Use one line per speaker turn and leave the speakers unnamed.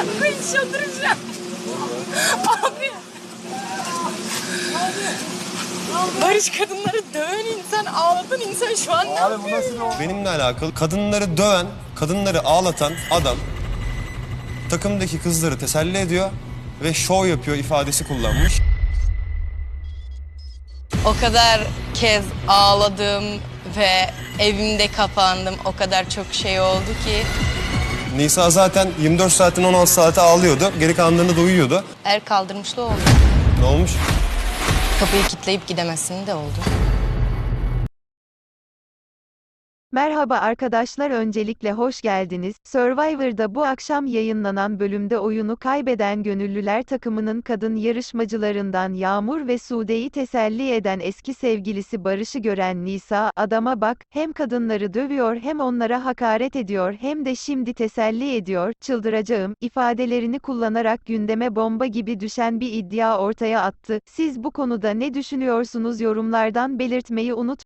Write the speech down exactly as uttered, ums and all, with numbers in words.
koyayım çıldıracağım. Abi. Barış, kadınları döven insan, ağlatan insan şu an ne yapıyor ya?
Benimle alakalı kadınları döven, kadınları ağlatan adam takımdaki kızları teselli ediyor ve şov yapıyor ifadesi kullanmış.
O kadar kez ağladım ve evimde kapandım. O kadar çok şey oldu ki.
Nisa zaten yirmi dört saatin on altı saati ağlıyordu. Geri kalanlarında da uyuyordu.
Er kaldırmışlı oldu.
Ne olmuş?
Kapıyı kilitleyip gidemezsin de oldu.
Merhaba arkadaşlar, öncelikle hoş geldiniz. Survivor'da bu akşam yayınlanan bölümde oyunu kaybeden gönüllüler takımının kadın yarışmacılarından Yağmur ve Sude'yi teselli eden eski sevgilisi Barış'ı gören Nisa, "Adama bak, hem kadınları dövüyor hem onlara hakaret ediyor hem de şimdi teselli ediyor, çıldıracağım" ifadelerini kullanarak gündeme bomba gibi düşen bir iddia ortaya attı. Siz bu konuda ne düşünüyorsunuz, yorumlardan belirtmeyi unutmayın.